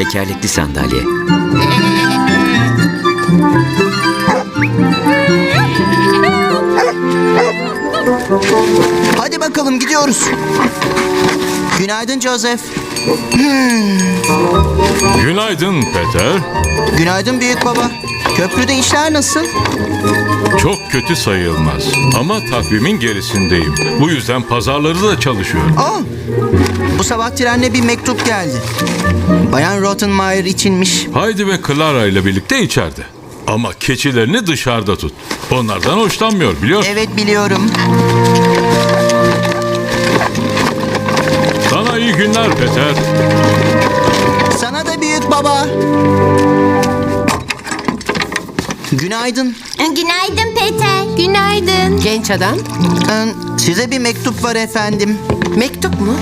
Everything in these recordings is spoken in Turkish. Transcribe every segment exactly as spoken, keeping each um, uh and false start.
tekerlekli sandalye. Hadi bakalım gidiyoruz. Günaydın Joseph. Günaydın Peter. Günaydın büyük baba. Köprüde işler nasıl? Çok kötü sayılmaz ama takvimin gerisindeyim. Bu yüzden pazarları da çalışıyorum. Aa, bu sabah trenle bir mektup geldi. Bayan Rottenmeier içinmiş. Heidi ve Clara ile birlikte içeride. Ama keçilerini dışarıda tut. Onlardan hoşlanmıyor biliyorsun. Evet biliyorum. Sana iyi günler Peter. Sana da büyük baba. Günaydın. Günaydın Peter. Günaydın. Genç adam, Ee, Size bir mektup var efendim. mektup mu?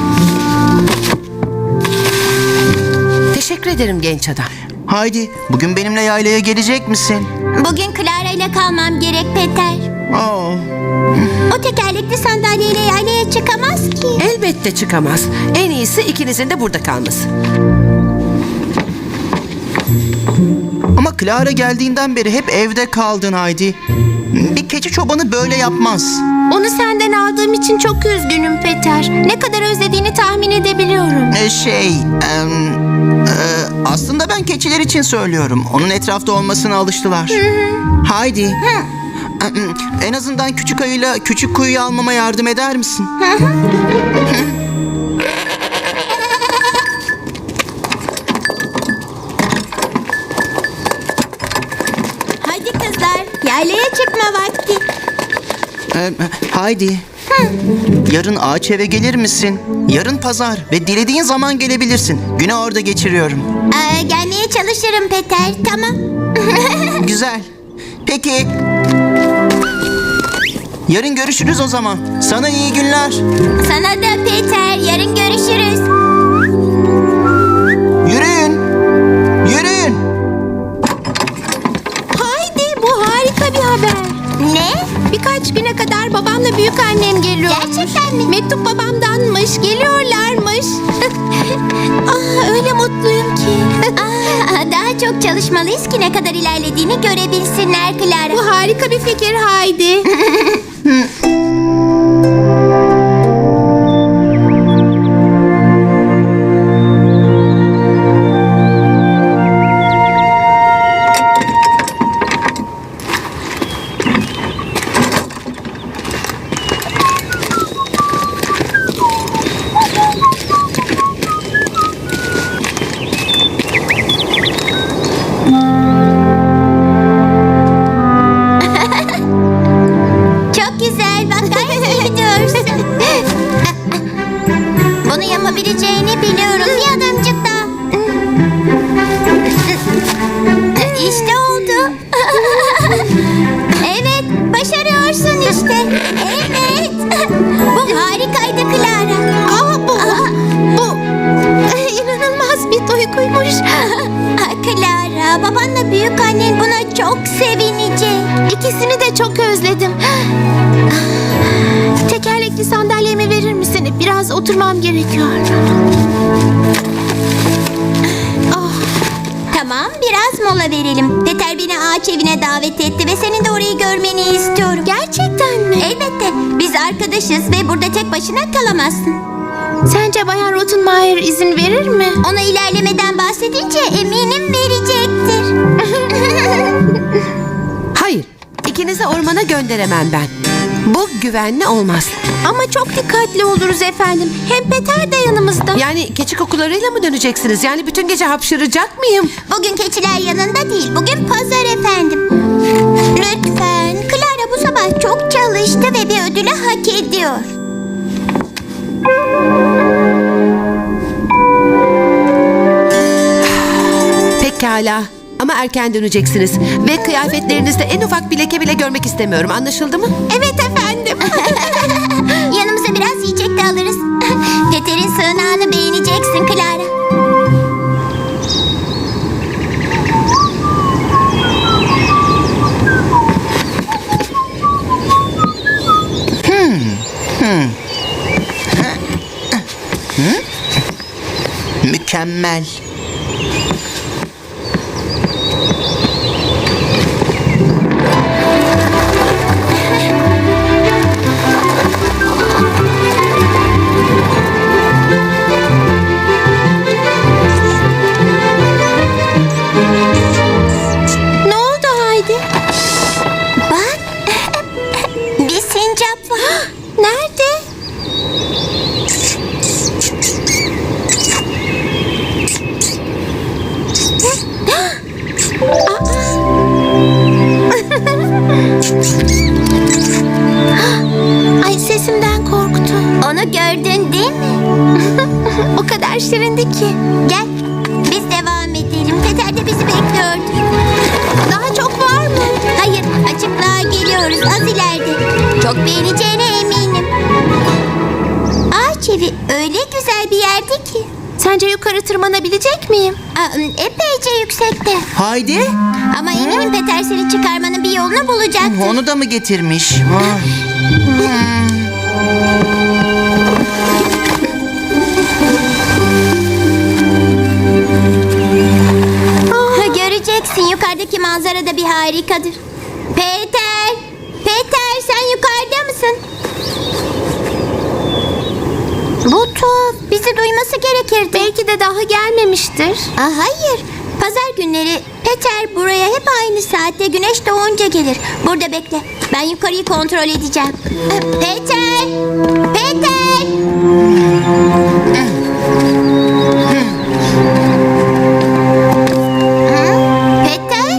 Teşekkür ederim genç adam. Haydi bugün benimle yaylaya gelecek misin? Bugün Clara ile kalmam gerek Peter. Oo. O tekerlekli sandalyeyle yaylaya çıkamaz ki. Elbette çıkamaz. En iyisi ikinizin de burada kalması. Ama Clara geldiğinden beri hep evde kaldın Haydi. Bir keçi çobanı böyle yapmaz. Onu senden aldığım için çok üzgünüm Peter. Ne kadar özlediğini tahmin edebiliyorum. Ee, şey... em, e, aslında ben keçiler için söylüyorum. Onun etrafta olmasına alıştılar. Haydi. Em, En azından küçük ayıyla küçük kuyuyu almama yardım eder misin? Hadi kızlar, yaylaya çıkma vakti. Ee, Haydi. Yarın ağaç eve gelir misin? Yarın pazar ve dilediğin zaman gelebilirsin. Günü orada geçiriyorum. Aa, gelmeye çalışırım Peter, tamam. Güzel. Peki. Yarın görüşürüz o zaman. Sana iyi günler. Sana da Peter, yarın görüşürüz. Yürüyün. Yürüyün. Haydi, bu harika bir haber. Ne? Birkaç güne kadar babamla büyük annem geliyor. Gerçekten mi? Mektup babamdanmış, geliyorlarmış. Ah, öyle mutluyum ki. Aa, daha çok çalışmalıyız ki ne kadar ilerlediğini görebilsinler Clara. Bu harika bir fikir Haydi. Çok güzel, bak gayet iyi gidiyorsun. Bunu yapabileceğini biliyorum. Bir adımcık daha. İşte oldu. Evet, başarıyorsun işte. Evet. Bu harikaydı Clara. Aa, bu, bu inanılmaz bir duyguymuş. Clara, babanla büyük annen buna çok sevinecek. İkisini de çok özledim. Tekerlekli sandalyemi verir misin? Biraz oturmam gerekiyor. Oh. Tamam, biraz mola verelim. Peter beni ağaç evine davet etti ve senin de orayı görmeni istiyorum. Gerçekten mi? Elbette. Biz arkadaşız ve burada tek başına kalamazsın. Sence Bayan Rottenmeier izin verir mi? Ona ilerlemeden bahsedince eminim verecektir. Hayır, ikinizi ormana gönderemem ben. Bu güvenli olmaz. Ama çok dikkatli oluruz efendim. Hem Peter de yanımızda. Yani keçi kokularıyla mı döneceksiniz? Yani bütün gece hapşıracak mıyım? Bugün keçiler yanında değil. Bugün pazar efendim. Lütfen. Clara bu sabah çok çalıştı ve bir ödülü hak ediyor. Pekala. Ama erken döneceksiniz. Ve kıyafetlerinizde en ufak bir leke bile görmek istemiyorum. Anlaşıldı mı? Evet efendim. Yanımıza biraz yiyecek de alırız. Peter'in sığınağını beğeneceksin Clara. Mükemmel. Bak. Bir sincap var. Nerede? Ay, sesimden korktu. Onu gördün değil mi? O kadar şirindi ki. Gel, biz devam edelim. Peter de bizi bekliyordu. Daha çok var mı? Hayır, açıklığa geliyoruz. Az ileride. Çok beğeneceğine eminim. Ağaç evi öyle güzel bir yerdi ki. Sence yukarı tırmanabilecek miyim? Aa, epeyce yüksekte. Haydi. Ama eminim Peter seni çıkarmanın bir yolunu bulacaktır. Onu da mı getirmiş? Ah. Ha, göreceksin, yukarıdaki manzara da bir harikadır. Peter! Peter, sen yukarıda mısın? Bu tuhaf. Bizi duyması gerekirdi. Belki de daha gelmemiştir. Aa, hayır. Pazar günleri Peter buraya hep aynı saatte güneş doğunca gelir. Burada bekle. Ben yukarıyı kontrol edeceğim. Ee, Peter! Peter! Hı? Peter?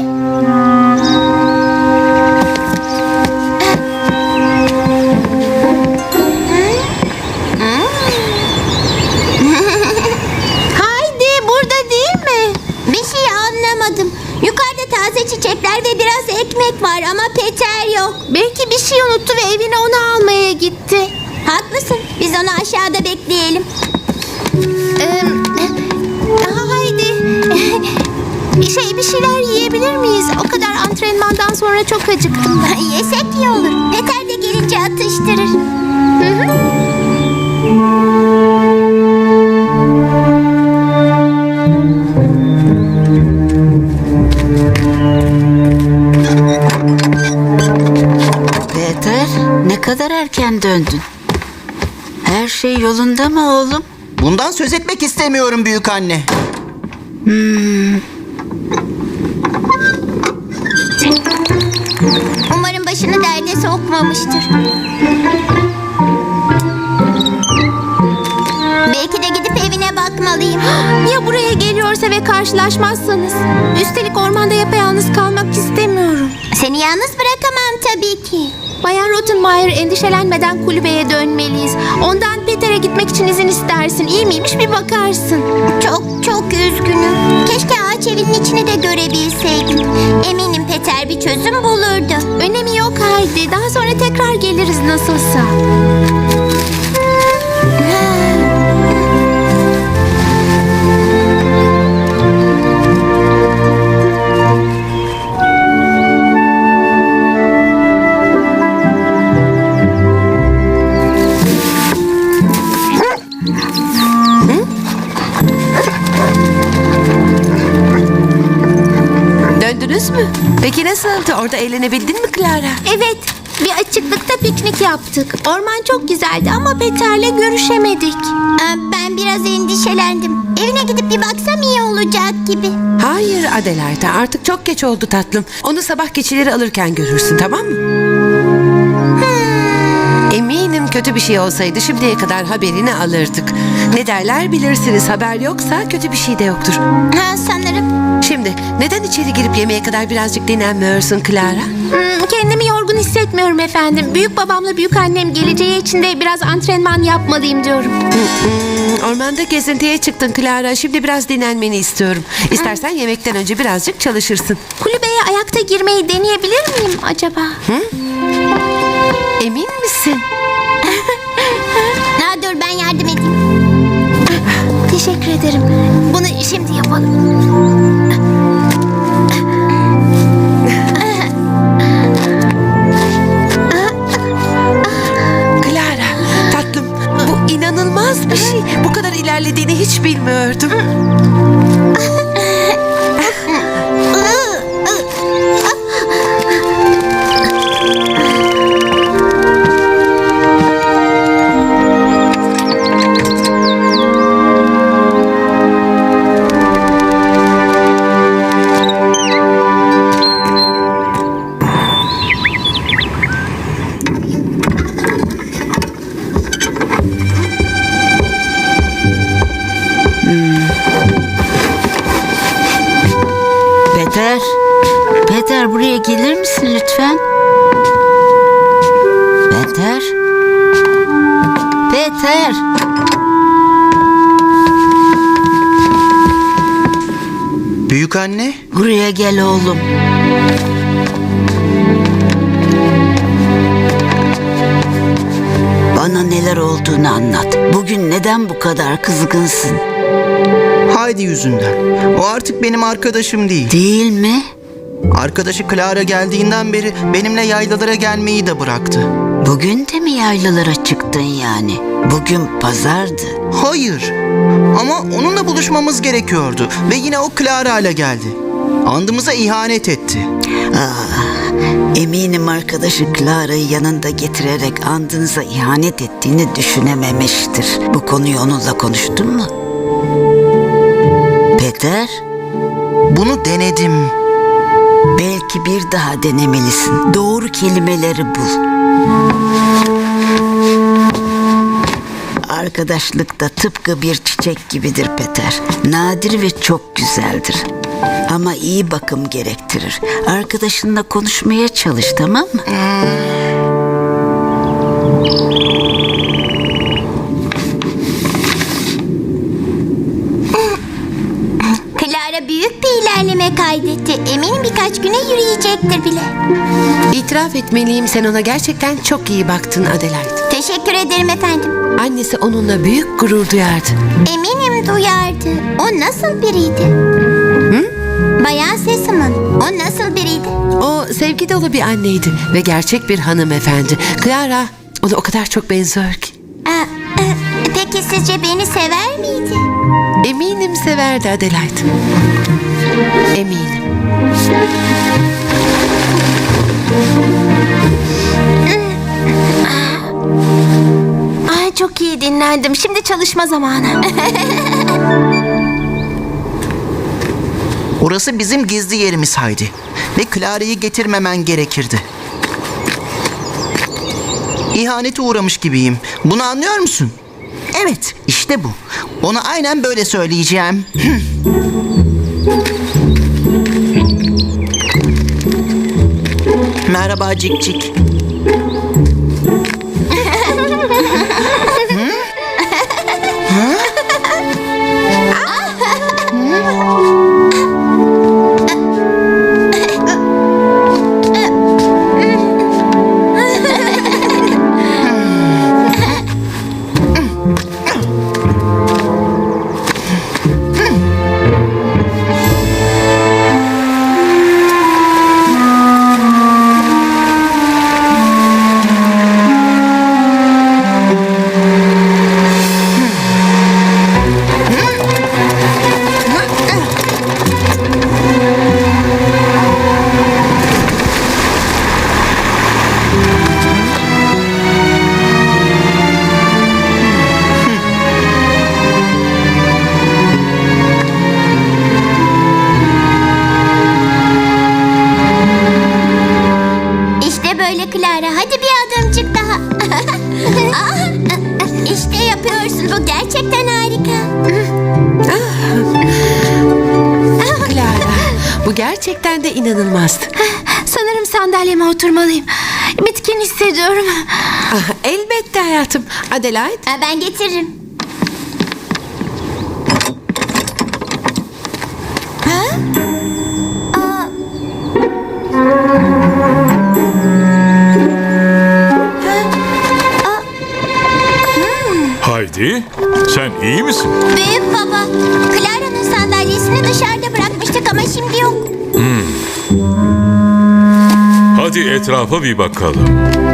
Haydi, burada değil mi? Bir şey anlamadım. Yukarıda taze çiçekler ve biraz ekmek var ama Peter yok. Belki bir şey unuttu ve evine onu almaya gitti. Haklısın. Biz onu aşağıda bekleyelim. Ee, haydi. Şey, bir şeyler yiyebilir miyiz? O kadar antrenmandan sonra çok acıktım. Yesek iyi olur. Peter de gelince atıştırır. Hı hı. Peter, ne kadar erken döndün. Her şey yolunda mı oğlum? Bundan söz etmek istemiyorum büyük anne. Umarım başını derde sokmamıştır. Belki de gidip evine bakmalıyım. Ya buraya geliyorsa ve karşılaşmazsanız? Üstelik ormanda yapayalnız kalmak istemiyorum. Seni yalnız bırakamam tabii ki. Bayan Rottenmeier, endişelenmeden kulübeye dönmeliyiz. Ondan Peter'e gitmek için izin istersin. İyi miymiş bir bakarsın. Çok çok üzgünüm. Keşke ağaç evinin içini de görebilseydim. Eminim Peter bir çözüm bulurdu. Önemi yok Haydi. Daha sonra tekrar geliriz nasılsa. Döndünüz mü? Peki nasıldı? Orada eğlenebildin mi Clara? Evet, bir açıklıkta piknik yaptık. Orman çok güzeldi ama Peter'le görüşemedik. Ben biraz endişelendim. Evine gidip bir baksam iyi olacak gibi. Hayır Adelaide, artık çok geç oldu tatlım. Onu sabah keçileri alırken görürsün, tamam mı? Eminim kötü bir şey olsaydı şimdiye kadar haberini alırdık. Ne derler bilirsiniz, haber yoksa kötü bir şey de yoktur. Ha, sanırım. Şimdi neden içeri girip yemeğe kadar birazcık dinlenmiyorsun Clara? Hmm, kendimi yorgun hissetmiyorum efendim. Büyük babamla büyük annem geleceği için de biraz antrenman yapmalıyım diyorum. Hmm, ormanda gezintiye çıktın Clara. Şimdi biraz dinlenmeni istiyorum. İstersen yemekten önce birazcık çalışırsın. Kulübeye ayakta girmeyi deneyebilir miyim acaba? Emin misin? Ha, dur ben yardım edeyim. Teşekkür ederim. Bunu şimdi yapalım. Clara, tatlım, bu inanılmaz bir şey. Bu kadar ilerlediğini hiç bilmiyordum. buraya gelir misin lütfen? Peter? Peter! Büyük anne, Buraya gel oğlum. Bana neler olduğunu anlat. Bugün neden bu kadar kızgınsın? Heidi yüzünden. O artık benim arkadaşım değil. Değil mi? Arkadaşı Clara geldiğinden beri benimle yaylalara gelmeyi de bıraktı. Bugün de mi yaylalara çıktın yani? Bugün pazardı. Hayır. Ama onunla buluşmamız gerekiyordu. Ve yine o Clara ile geldi. Andımıza ihanet etti. Eminim arkadaşı Clara'yı yanında getirerek andınıza ihanet ettiğini düşünememiştir. Bu konuyu onunla konuştun mu? Peter, Bunu denedim. belki bir daha denemelisin. Doğru kelimeleri bul. Arkadaşlık da tıpkı bir çiçek gibidir Peter. Nadir ve çok güzeldir. Ama iyi bakım gerektirir. Arkadaşınla konuşmaya çalış, tamam mı? Clara büyük bir ilerleme kaydetti. Eminim birkaç güne yürüyecektir bile. İtiraf etmeliyim, sen ona gerçekten çok iyi baktın Adelaide. Teşekkür ederim efendim. Annesi onunla büyük gurur duyardı. Eminim duyardı. O nasıl biriydi? Hı? Bayan Sesam'ın. O nasıl biriydi? O sevgi dolu bir anneydi ve gerçek bir hanımefendi. Clara ona o kadar çok benziyor ki. Aa, e, peki sizce beni sever miydi? Eminim severdi Adelaide. Eminim. Ay çok iyi dinlendim. Şimdi çalışma zamanı. Orası bizim gizli yerimiz Heidi. Ve Clara'yı getirmemen gerekirdi. İhanete uğramış gibiyim. Bunu anlıyor musun? Evet, işte bu. Ona aynen böyle söyleyeceğim. Merhaba Cik Cik. İşte böyle Clara. Hadi bir adımcık daha. Aa, İşte yapıyorsun. Bu gerçekten harika. Clara, bu gerçekten de inanılmazdı. Sanırım sandalyeme oturmalıyım. Bitkin hissediyorum. Ah, elbette hayatım. Adelaide, Ha, Ben getiririm. Ha? Aa. Haydi, sen iyi misin? Büyük baba, Clara'nın sandalyesini dışarıda bırakmıştık ama şimdi yok. Hadi etrafa bir bakalım.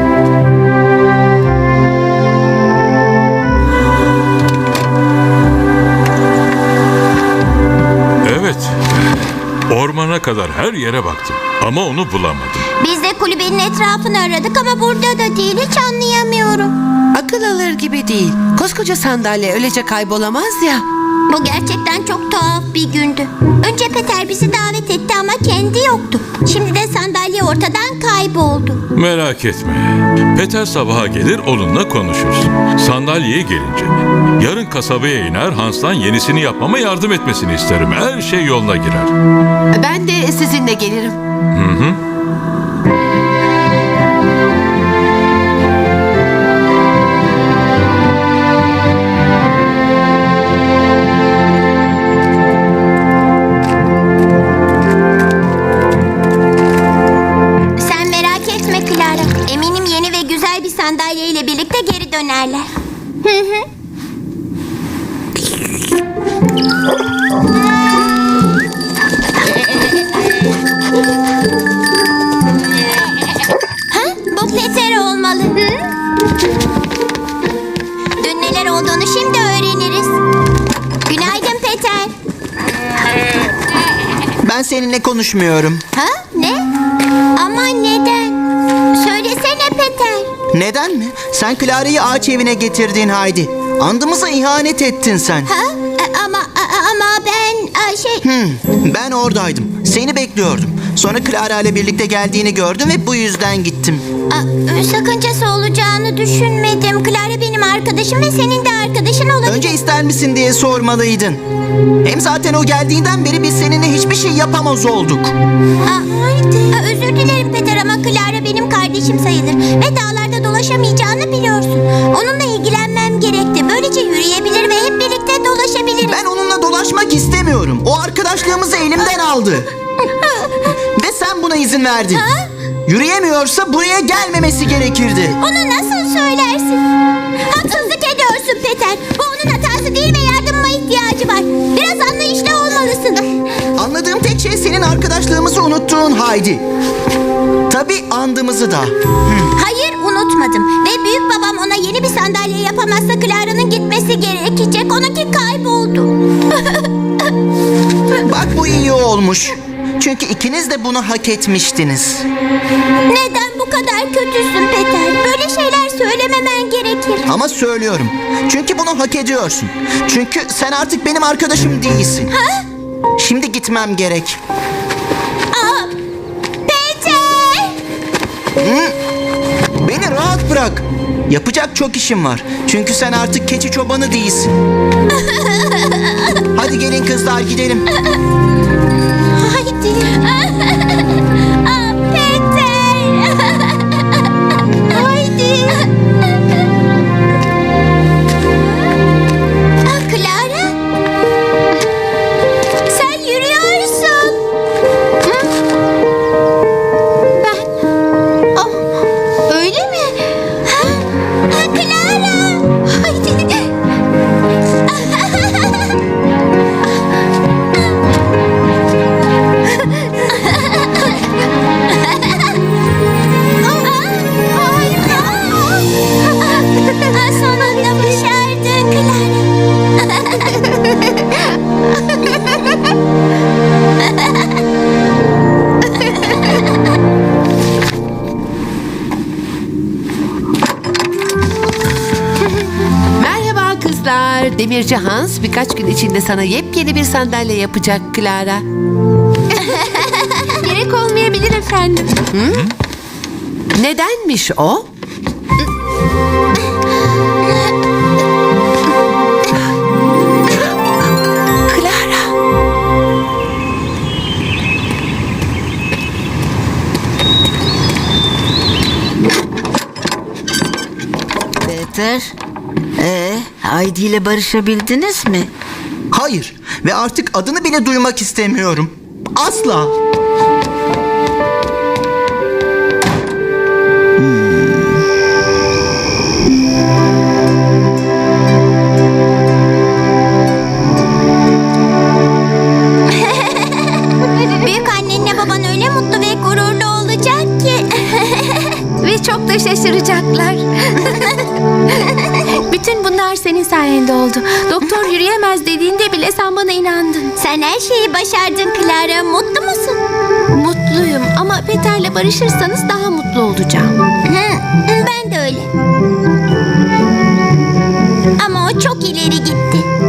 Evet, ormana kadar her yere baktım ama onu bulamadım. Biz de kulübenin etrafını aradık ama burada da değil, hiç anlayamıyorum. akıl alır gibi değil. Koskoca sandalye öylece kaybolamaz ya. Bu gerçekten çok tuhaf bir gündü. Önce Peter bizi davet etti ama kendi yoktu. Şimdi de sandalye ortadan kayboldu. Merak etme. Peter sabaha gelir onunla konuşuruz. Sandalyeye gelince yarın kasabaya iner Hans'tan yenisini yapmama yardım etmesini isterim. Her şey yoluna girer. Ben de sizinle gelirim. sandalyeyle birlikte geri dönerler. Hı hı. Ha? Bu Peter olmalı. Hı? Dün neler olduğunu şimdi öğreniriz. Günaydın Peter. Ben seninle konuşmuyorum. Ha? Ne? Ama neden? Söylesene Peter. Neden mi? Sen Clara'yı ağaç evine getirdin Haydi. Andımıza ihanet ettin sen. Ha? A- Ama a- ama ben a, şey... Hmm, ben oradaydım. Seni bekliyordum. Sonra Clara ile birlikte geldiğini gördüm ve bu yüzden gittim. a, sakıncası olacağını düşünmedim. Clara benim arkadaşım ve senin de arkadaşın olabilir. Önce ister misin diye sormalıydın. Hem zaten o geldiğinden beri biz seninle hiçbir şey yapamaz olduk. Aa, aa, özür dilerim Peter ama Clara benim kardeşim sayılır. Ve dağlarda dolaşamayacağını biliyorsun. Onunla ilgilenmem gerekti. Böylece yürüyebilir ve hep birlikte dolaşabiliriz. Ben onunla dolaşmak istemiyorum. O arkadaşlığımızı elimden aldı. Ve sen buna izin verdin. Ha? Yürüyemiyorsa buraya gelmemesi gerekirdi. Onu nasıl söylersin? Haksızlık ediyorsun Peter. Bu onun hatası değil ve yardımıma ihtiyacı var. Biraz anlayışlı olmalısın. Anladığım tek şey senin arkadaşlığımızı unuttuğun Haydi. Tabii andımızı da. Hayır unutmadım. Ve büyük babam ona yeni bir sandalye yapamazsa Clara'nın gitmesi gerekecek. Onunki kayboldu. Bak bu iyi olmuş. Çünkü ikiniz de bunu hak etmiştiniz. Neden bu kadar kötüsün Peter? Böyle şeyler söylememen gerekir. Ama söylüyorum. Çünkü bunu hak ediyorsun. Çünkü sen artık benim arkadaşım değilsin. Ha? Şimdi gitmem gerek. Aa, Peter! Beni rahat bırak. Yapacak çok işim var. Çünkü sen artık keçi çobanı değilsin. Hadi gelin kızlar gidelim. Haydi. Aa, Peter! Haydi. Aa, Clara? Sen yürüyorsun. Hı? Ben... Oh, öyle mi? Ha? Ha, Clara! Haydi. Sonunda başardın Merhaba kızlar. Demirci Hans birkaç gün içinde sana yepyeni bir sandalye yapacak Clara. Gerek olmayabilir efendim. Nedenmiş o? Clara. Peter, ee, Haydi ile barışabildiniz mi? Hayır ve artık adını bile duymak istemiyorum. Asla. Büyük annenle baban öyle mutlu ve gururlu olacak ki. Ve çok da şaşıracaklar. Bütün bunlar senin sayende oldu. Doktor yürüyemez dediğinde bile sen bana inandın. Sen her şeyi başardın Clara. Mutlu musun? Mutluyum ama Peter'le barışırsanız daha mutlu olacağım. Hı, ben de öyle. Ama o çok ileri gitti.